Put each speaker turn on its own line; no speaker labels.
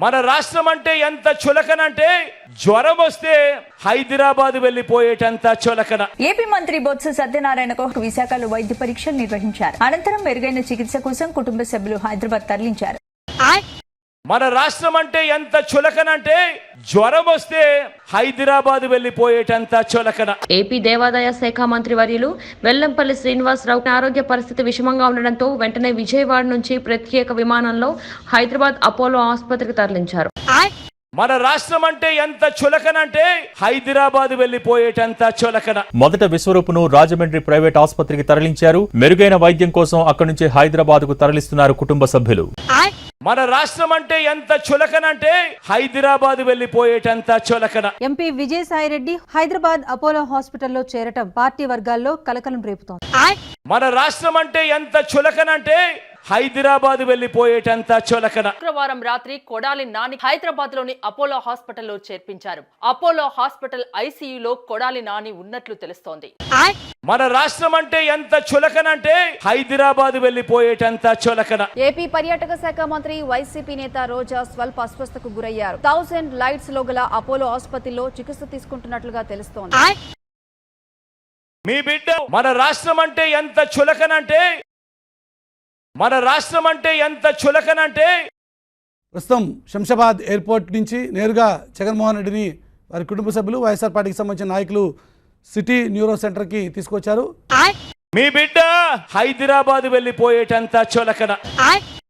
మన రాష్ట్రం అంటే ఎంత చులకనంటే జ్వరం వస్తే హైదరాబాద్ వెళ్లిపోయేటంత చులకన.
ఏపీ మంత్రి బొత్స సత్యనారాయణకు విశాఖలో వైద్య పరీక్షలు నిర్వహించారు. అనంతరం మెరుగైన చికిత్స కోసం కుటుంబ సభ్యులు హైదరాబాద్ తరలించారు.
మన రాష్ట్రం అంటే ఎంత చులకనంటే జ్వరం వస్తే హైదరాబాద్ వెళ్లిపోయేటంత చులకన.
ఏపీ దేవాదాయ శాఖ మంత్రి వర్యులు వెల్లంపల్లి శ్రీనివాసరావు ఆరోగ్య పరిస్థితి విషమంగా ఉండడంతో వెంటనే విజయవాడ నుంచి ప్రత్యేక విమానంలో హైదరాబాద్ అపోలో ఆసుపత్రికి తరలించారు.
మన రాష్ట్రం అంటే ఎంత చులకనంటే హైదరాబాద్ వెళ్లిపోయేటంత చులకన.
మొదట విశ్వరూపును రాజమండ్రి ప్రైవేట్ ఆసుపత్రికి తరలించారు. మెరుగైన వైద్యం కోసం అక్కడి నుంచి హైదరాబాద్ కు తరలిస్తున్నారు కుటుంబ సభ్యులు.
మన రాష్ట్రం అంటే ఎంత చులకనంటే హైదరాబాద్ వెళ్లిపోయేటంత చులకన.
ఎంపీ విజయసాయిరెడ్డి హైదరాబాద్ అపోలో హాస్పిటల్లో చేరటం పార్టీ వర్గాల్లో కలకలం రేపుతోంది.
మన రాష్ట్రం అంటే ఎంత చులకనంటే హైదరాబాద్ వెళ్లిపోయేటంత చులకన.
శుక్రవారం రాత్రి కొడాలి నాని హైదరాబాద్ లోని అపోలో హాస్పిటల్లో చేర్పించారు. అపోలో హాస్పిటల్ ఐసీయూలో కొడాలి నాని ఉన్నట్లు తెలుస్తోంది.
మన రాష్ట్రం అంటే ఎంత చులకనంటే హైదరాబాద్ వెళ్లిపోయేటంత చులకన.
ఏపీ పర్యాటక శాఖ మంత్రి వైసీపీ నేత రోజా స్వల్ప అస్వస్థతకు గురయ్యారు. 1000 లైట్స్ లో గల అపోలో ఆసుపత్రిలో చికిత్స తీసుకుంటున్నట్లుగా తెలుస్తోంది.
మీ బిడ్డ మన రాష్ట్రం అంటే ఎంత చులకనంటే మన రాష్ట్రం అంటే ఎంత చులకనంటే
ప్రస్తుతం శంషాబాద్ ఎయిర్పోర్ట్ నుంచి నేరుగా జగన్మోహన్ రెడ్డిని వారి కుటుంబ సభ్యులు వైఎస్ఆర్ పార్టీకి సంబంధించిన నాయకులు సిటీ న్యూరో సెంటర్కి తీసుకొచ్చారు.
మీ బిడ్డ హైదరాబాద్ వెళ్లిపోయేటంత చులకన.